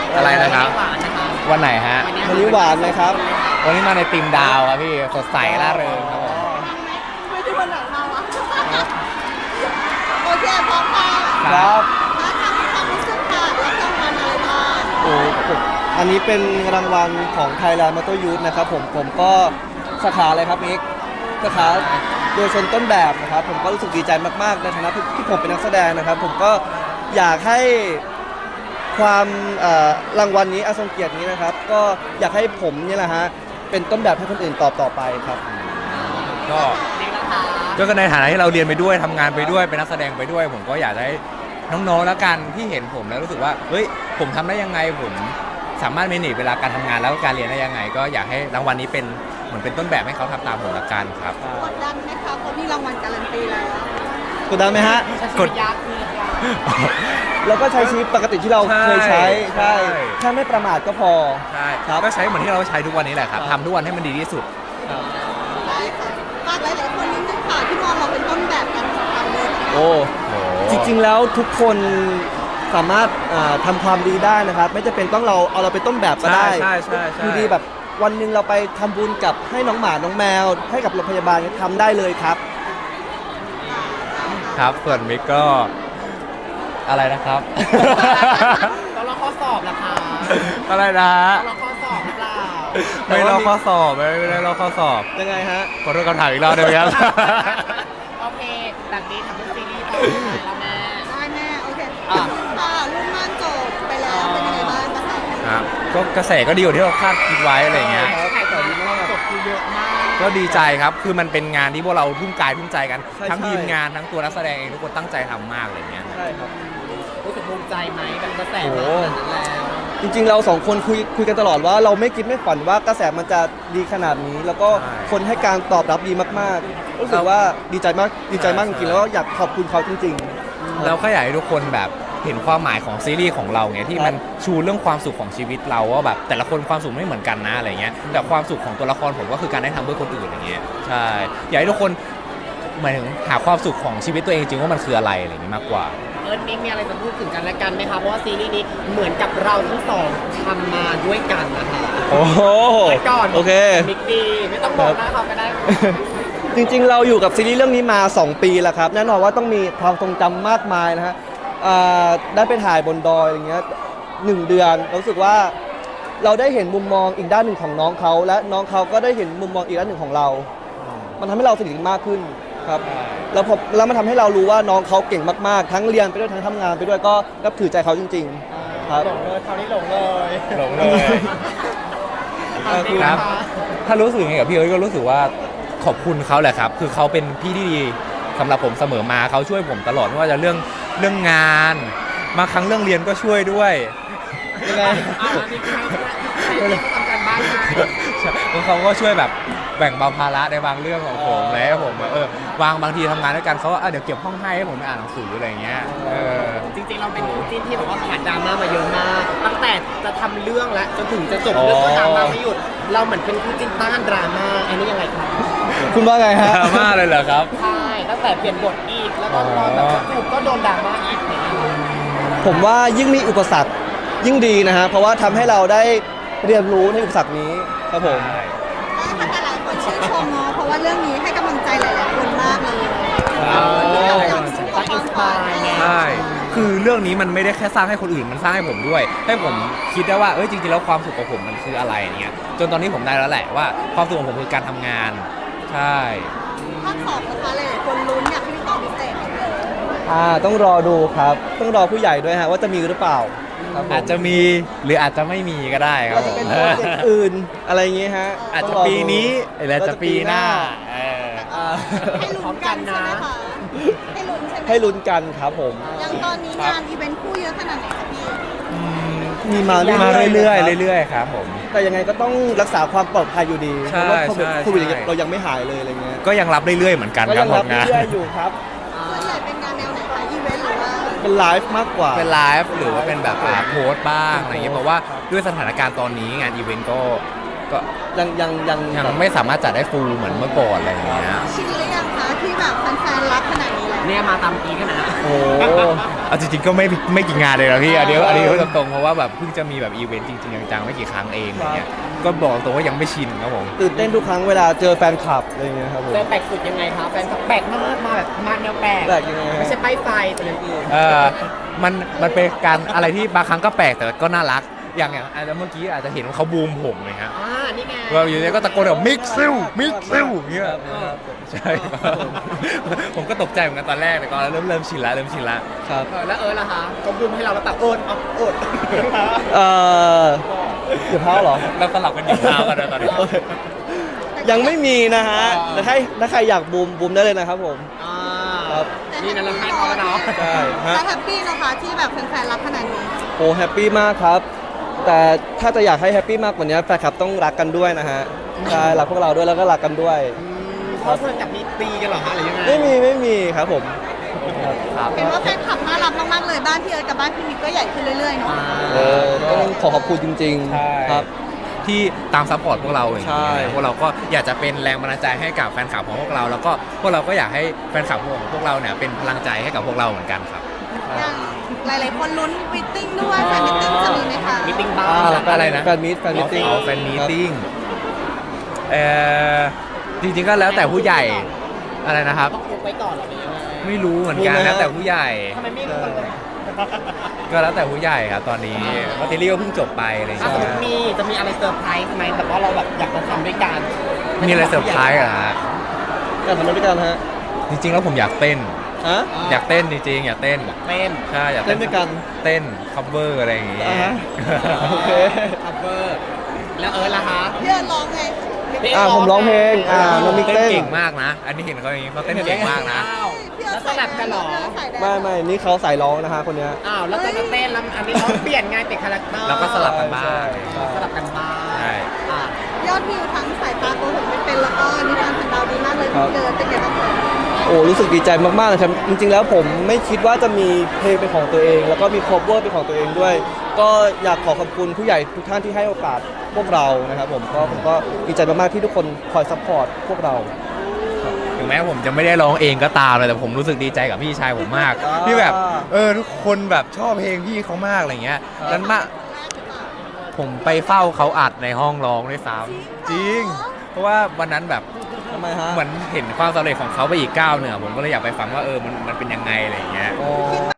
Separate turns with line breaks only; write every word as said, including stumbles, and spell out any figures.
อะไรนะครับวันไหนฮะ
วันนี้หวานไหมครับ
วันนี้มาในทีมดาวครับพี่สดใสร่าเริงครับผม
ไม่ได้วันไหนมาวะโอเคพร้อมค่ะ
ครับ
มาทำความรู้สึกค่ะแล้วรางวัลอะไรบ้าง
โอ้อันนี้เป็นรางวัลของ Thailand Motor Youth นะครับผมผมก็สาขาอะไรครับมิกสาขาโดยชนต้นแบบนะครับผมก็รู้สึกดีใจมากๆในฐานะที่ผมเป็นนักแสดงนะครับผมก็อยากให้ความรางวัลนี้อาทรงเกียรตินี้นะครับก็อยากให้ผมนี่แหละฮะเป็นต้นแบบให้คนอื่นตอบต่อไปครับ
ก็ก็ในฐานะที่เราเรียนไปด้วยทำงานไปด้วยเป็นนักแสดงไปด้วยผมก็อยากให้น้องๆแล้วกันที่เห็นผมแล้วรู้สึกว่าเฮ้ยผมทำได้ยังไงผมสามารถเมเนจเวลาการทำงานแล้วก็การเรียนได้ยังไงก็อยากให้รางวัลนี้เป็นเหมือนเป็นต้นแบบให้เขาทำตามผมละกันครับ
กดดันไหมคะเพราะมีรางวัลการันตีแล้ว
กดดันไหมฮะ
กด
ยักษ์
แล้วก็ใช้ชีวิตปกติที่เราเคยใช้ใช่แค่ไม่ประมาทก็พอ
ใช่ก็ใช้เหมือนที่เราใช้ทุกวันนี้แหละครับทำทุกวันให้มันดีที่สุด
ได้ค่ะฝากหลายๆคนนิดนึงค่ะที่มองเราเป็นต้นแบบการทำงานเลย
โอ้จริงๆแล้วทุกคนสามารถทำความดีได้นะครับไม่จำเป็นต้องเราเอาเราเป็นต้นแบบก็ได้
ใช่ใช่
อยู่ดีแบบวันหนึ่งเราไปทำบุญกับให้น้องหมาน้องแมวให้กับโรงพยาบาลทำได้เลยครับ
ครับส่วนมิกก็อะไรนะครับ
ต้องรอข้อสอบล่ะคะ
อะไรนะ
ต้องรอข้อสอบหรือเปล่า
ไม่รอข้อสอบไม่ได้รอข้อสอบ
ยังไงฮะ
ขอโทษคำถามอีกรอบได้ไหมครับ
โอเคแบบนี้ทำเป็นซีรีส์ต่อแล้วแม่ได้แม่โอเคค่ะรุ่นม่านจบไปแล้วเป็นยังไงบ้างกระแส
ครับก็กระแสก็ดีกว่าที่เราคาดคิดไว้อะไรเงี้ย
ขายของดีมากจบคือเยอะมาก
ก็ดีใจครับคือมันเป็นงานที่พวกเราทุ่มกายทุ่มใจกันทั้งทีมงานทั้งตัวนักแสดงเองทุกคนตั้งใจทำมากอะไรเงี้ย
ใช่ครับ
รู้สึกภูมิใจไหมกับกระแสมาขนาดนั้นแล้ว
จริงๆเราสองคนคุยคุยกันตลอดว่าเราไม่คิดไม่ฝันว่ากระแสมันจะดีขนาดนี้ แล้วก็คนให้การตอบรับดีมากๆรู้สึกว่าดีใจมากดีใจมากจริงๆแล้วอยากขอบคุณเขาจริง
ๆเราก็อยากให้ทุกคนแบบเห็นความหมายของซีรีส์ของเราไงที่มันชูเรื่องความสุขของชีวิตเราว่าแบบแต่ละคนความสุขไม่เหมือนกันนะอะไรเงี้ยแต่ความสุขของตัวละครผมก็คือการได้ทำเพื่อคนอื่นอย่างเงี้ยใช่อยากให้ทุกคนหมายถึงหาความสุขของชีวิตตัวเองจริงว่ามันคืออะไรอะไรอย่างนี้มากกว่า
เอิร์ธมิกมีอะไรจะพูดถึงกันและกันไหมคะเพราะว่าซีรีส์นี้เหมือนกับเราทั้งสองทำมาด้วยกันนะคะ
โอ้โห
ก่อน
โอเค
มิกดีไม่ต้องบอกหน้าเขาก็ได้
จริงๆเราอยู่กับซีรีส์เรื่องนี้มาสองปีแล้วครับแน่นอนว่าต้องมีความทรงจำมากมายนะฮะได้ไปถ่ายบนดอยอย่างเงี้ยหนึ่งเดือนรู้สึกว่าเราได้เห็นมุมมองอีกด้านหนึ่งของน้องเขาและน้องเขาก็ได้เห็นมุมมองอีกด้านหนึ่งของเรา มันทำให้เราสนิทกันมากขึ้นครับแล้วพอแล้วมันทำให้เรารู้ว่าน้องเขาเก่งมากๆทั้งเรียนไปด้วยทั้งทำงานไปด้วยก็นับถือใจเขาจริงๆครับ
หลงเลยคราวนี้หลงเลย
หลงเลยครับถ้ารู้สึกยังไงกับพี่เอ๋ก็รู้สึกว่าขอบคุณเขาแหละครับคือเขาเป็นพี่ที่ดีสำหรับผมเสมอมาเขาช่วยผมตลอดไม่ว่าจะเรื่องเรื่องงานมาครั้งเรื่องเรียนก็ช่วยด้วย
ยังไง
ทำการบ้าน
ให้เขาก็ช่วยแบบแบ่งเบาภาระในบางเรื่องของผมแล้วผมเออวางบางทีทำงานด้วยกันเขาก็เดี๋ยวเก็บห้องให้ให้ผมไปอ่านหนังสืออะไรเงี้ยเออ
จริงๆเราเป็นคู่จิ้นที่แบบว่าผ่านดราม่ามาเยอะมากตั้งแต่จะทำเรื่องและจนถึงจะจบเรื่องก็ดราม่าไม่หยุดเราเหมือนเป็นคู่จิ้นต้านดราม่าอันนี้ยังไงครับ
คุณว่าไงฮะ
ดราม่าเลยเหรอครับ
ใช่ตั้งแต่เปลี่ยนบทอีกแล้วก็พอแบบจูบก็โดนดราม่าอีก
ผมว่ายิ่งมีอุปสรรคยิ่งดีนะฮะเพราะว่าทำให้เราได้เรียนรู้ในอุปสรรคนี้ครับผม
แต่หลายคนชื่นชมเนาะเพราะว่าเรื่องนี้ให้กำลังใจหลายๆคนมากเลย
ใช่คือเรื่องนี้มันไม่ได้แค่สร้างให้คนอื่นมันสร้างให้ผมด้วยให้ผมคิดได้ว่าเอ้ยจริงๆแล้วความสุขของผมมันคืออะไรเงี้ยจนตอนนี้ผมได้แล้วแหละว่าความสุขของผมคือการทำงานใช่
ภาคสองนะคะหลายๆคนลุ้นอยากให้มีตอนพิเศษเลย
อ่าต้องรอดูครับต้องรอผู้ใหญ่ด้วยฮะว่าจะมีหรือเปล่า
อาจจะมีหรืออาจจะไม่มีก็ได้ครับ
จะเป็นโปรเจกต์อื่นอะไรอย่างเงี้ยฮะ
อาจจะปีนี้หรืออาจจะปีหน้า
ให้ลุ้นกันนะให้ลุ้นใช่ไหม
ให้ลุ้นกันครับผม
อย่างตอนนี้งานอีเวนต์คู่เยอะขนาดไหนคะพี่
มีมาเ
รื่อยๆเรื่อยๆครับผม
แต่ยังไงก็ต้องรักษาความปลอดภัยอยู่ดีเพราะว่าโควิดเรายังไม่หายเลยอะไรเงี้ย
ก็ยังรับเรื่อยๆเหมือนกัน
ครับผมงานเรื่อยๆอยู่ครับ
ส่วนใหญ่เป็นงานแนวไหนคะอีเวนต์หรือว่า
เป็นไลฟ์มากกว่า
เป็นไลฟ์หรือว่าเป็นแบบโพสต์บ้างอะไรเงี้ยเพราะว่าด้วยสถานการณ์ตอนนี้งานอีเวนต์ก็ก็
ยังยังยัง
ยังไม่สามารถจัดได้ฟูลเหมือนเมื่อก่อนอะไรอย่างเงี้ย
ชินหรือยังคะที่แบบแฟนๆรักขนาดนี้แล้วเนี่ยมาตามกี้กันนะ
โอ้
เอาจริงๆก็ไม่ไม่กี่งานเลยนะพี่อันนี้อันนี้พูดตรงๆเพราะว่าแบบเพิ่งจะมีแบบอีเวนต์จริงๆจังๆไม่กี่ครั้งเองอะไรเงี้ยก็บอกตรงว่ายังไม่ชินครับผม
ตื่นเต้นทุกครั้งเวลาเจอแฟนคลับอะไรเงี้ยครับผม
เจอแปลกสุดยังไงครับแฟนคลับแปลกมากมาแบบมาแนวแปลก
แปลกยังไงฮะ
ไม่ใช่ป้ายไฟแต่อย่างอื่น
เออมันมันเป็นการอะไรที่บางครั้งก็แปลกแต่ก็น่ารักอย่างอย่างอาจจะเมื่อกี้อาจจะเห็นว่าเขาบูมผมเลยครับ
อ่านี่ไง
เราอยู่เนี่ยก็ตะโกนแบบมิกซิลมิกซิลอย่างเงี้ย
ครับ
ใช่ครับผมก็ตกใจเหมือนกันตอนแรกแต่ก็เริ่มเริ่มชินละเริ่มชินละ
ครับ
เออแล้วเออล่ะคะเขาบูมให้เราแล้วแต่โอนเอาโอน
เอ่อเดี๋ยวเท้าเหรอ
เราสลับกันหยิบเท้ากันนะตอนนี้
ยังไม่มีนะฮะ
อ่า
แต่ถ้าถ้าใครอยากบูมบูมได้เลยนะครับผม
อ่า
ครับ
นี่นะเราให้เขาแล้วเนาะ
ใช่ฮะ
แต่แฮปปี้นะคะที่แบบแฟนๆรักขนาดนี้
โอ้แฮปปี้มากครับ แต่ถ้าจะอยากให้แฮปปี้มากกว่านี้แฟนคลับต้องรักกันด้วยนะฮะใช่รักพวกเราด้วยแล้วก็รักกันด้วย
อืมเพราะเพื่อนกับมีตีกันเหรอฮะหรือยังไง
ไม่มีไม่มีครับผม
ครับ
เห็นว่าแฟนคลับน่ารักมากๆเลยบ้านพี่เอิร์ธกับบ้านพี่มิกก็ใหญ่ขึ้นเรื่อยๆเนาะ
อ่า
เออต้องขอขอบคุณจริง
ใช่
ๆ ครับ
ที่ตามซัพพอร์ตพวกเราอย่าง
ใช่
นี้ยพวกเราก็อยากจะเป็นแรงบันดาลใจให้กับแฟนคลับของพวกเรา แล้วก็พวกเราก็อยากให้แฟนคลับของพวกเราเนี่ยเป็นพลังใจให้กับพวกเราเหมือนกันครับ
อย่างหลายๆคนลุ้นมิทติ้งด้วยแฟนมิทติ้งจะมีไหมคะ
มีติ้งบ้า
อ่า
ง
แล้วก็
อะไรนะ
แฟนมิตแฟนมิตติ้ง
อ๋อแฟนมีตติ้งเอ่อจริงๆก็แล้วแต่ผู้ใหญ่อะไรนะครับ
ต้องอุบไว้ก่อนเหรอหรือยังไง
ไม่รู้เหมือนกัน
มีไหม
แล้วแต่ผู้ใหญ่
ทำไมไม่รู้กันเลย
ก็แล้วแต่ผู้ใหญ่ครับตอนนี้เพราะทีรี่ก็เพิ่งจบไปอะไรอย่าง
ถ้าสมม
เงี้
ติ
ย
มีจะมีอะไรเซอร์ไพรส์ไหมแบบว่าเราแบบอยากจะทำด้วยกัน
มีอะไรเซอร์ไพรส์เหรอฮะ
อยากทำด้วยกันฮะ
จริงๆแล้วผมอยากเต้น
ฮะ
อยากเต้นจริงๆอยากเต้น
เต้น
ใช่อยาก
เต้นด้วยกัน
เต้น cover อะไรอย่างงี้
อ่าฮะ โอเค
คัฟเวอร์แล้วเออล่ะคะ
พี่เอิร์ธร้องไง
อ่าผมร้องเพลงอ่าน้องมิก
เต้น
เต้น
เก่งมากนะ อันนี้เห็นเขาอย่างนี้เขาเต้นเก่งมากนะ
อ้าว
พี่เอิ
แล้
ร์
ว
ธ
สลับกันเหรอ
ใส่แดง
ไม่ไม่นี่เขาสายร้องนะฮะคนเนี้ย
อ้าวแล้วจะมาเต้นแล้วอันนี้เขาเปลี่ยนไงเปลี่ยนคาแรคเตอร์
แล้วก็สลับกันบ้าง
ใช่ใช่
สลับกันบ้าง
ใช่
อ่ะ
ยอดวิวทั้งสายตาโกหกไม่เป็นแล้วก็นิทานสันดาวดีมากเลยพี่เอิร์ธเป็นไงบ้างคะ
โอ้รู้สึกดีใจมากๆเลยครับจริงๆแล้วผมไม่คิดว่าจะมีเพลงเป็นของตัวเอง แล้วก็มีคอเวอร์เป็นของตัวเองด้วย ก็อยากขอขอบคุณผู้ใหญ่ทุกท่านที่ให้โอกาสพวกเรานะครับผมก็ผมก็ดีใจมากๆที่ทุกคนคอยซัพพอร์ตพวกเรา
ถึงแม้ผมจะไม่ได้ร้องเองก็ตามเลยแต่ผมรู้สึกดีใจกับพี่ชายผมมาก
อ่า
ที่แบบเออทุกคนแบบชอบเพลงพี่เขามากอะไรเงี้ย
ครับ
นั้นมาผมไปเฝ้าเขาอัดในห้องร้องด้วยซ้ำจริง เพราะว่าวันนั้นแบบ
ทำไมฮะ
เหมือนเห็นความสำเร็จของเขาไปอีกก้าวหนึ่งอะผมก็เลยอยากไปฟังว่าเออมันมันเป็นยังไงอะไรอย่างเงี้ย
อ๋อ